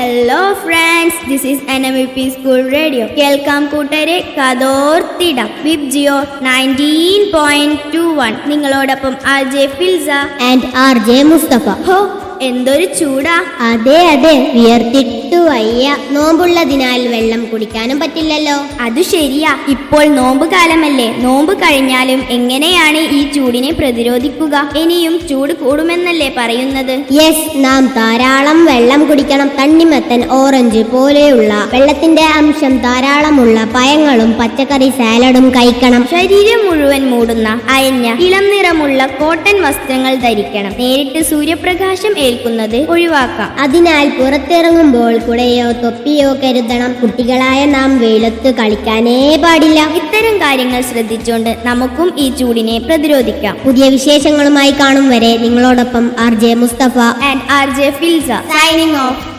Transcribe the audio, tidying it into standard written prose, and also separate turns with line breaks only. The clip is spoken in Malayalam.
Hello friends, this is NMP school radio. കേൾക്കാം കൂട്ടരെ, കഥോർത്തിടാം. വിബ് ജിയോ 19.21. നിങ്ങളോടൊപ്പം RJ Filsa
and RJ Mustafa.
ഹോ, എന്തൊരു ചൂടാ!
അതെ വിയർത്തിട്ടു വയ്യ. നോമ്പുള്ളതിനാൽ വെള്ളം കുടിക്കാനും പറ്റില്ലല്ലോ.
അത് ശരിയാ. ഇപ്പോൾ നോമ്പ് കാലമല്ലേ. നോമ്പ് കഴിഞ്ഞാലും എങ്ങനെയാണ് ഈ ചൂടിനെ പ്രതിരോധിക്കുക? ഇനിയും ചൂട് കൂടുമെന്നല്ലേ പറയുന്നത്?
യെസ്, നാം ധാരാളം വെള്ളം കുടിക്കണം. തണ്ണിമത്തൻ, ഓറഞ്ച് പോലെയുള്ള വെള്ളത്തിന്റെ അംശം ധാരാളമുള്ള പഴങ്ങളും പച്ചക്കറി സാലഡും കഴിക്കണം.
ശരീരം മുഴുവൻ മൂടുന്ന അയഞ്ഞ ഇളം നിറമുള്ള കോട്ടൺ വസ്ത്രങ്ങൾ ധരിക്കണം. നേരിട്ട് സൂര്യപ്രകാശം ഏൽക്കുന്നത് ഒഴിവാക്കാം.
അതിനാൽ പുറത്തിറങ്ങുമ്പോൾ കുടയോ തൊപ്പിയോ കരുതണം. കുട്ടികളായ നാം വെയിലത്ത് കളിക്കാനേ പാടില്ല.
ഇത്തരം കാര്യങ്ങൾ ശ്രദ്ധിച്ചുകൊണ്ട് നമുക്കും ഈ ചൂടിനെ പ്രതിരോധിക്കാം.
പുതിയ വിശേഷങ്ങളുമായി കാണും വരെ നിങ്ങളോടൊപ്പം RJ Mustafa
and RJ Filsa signing of.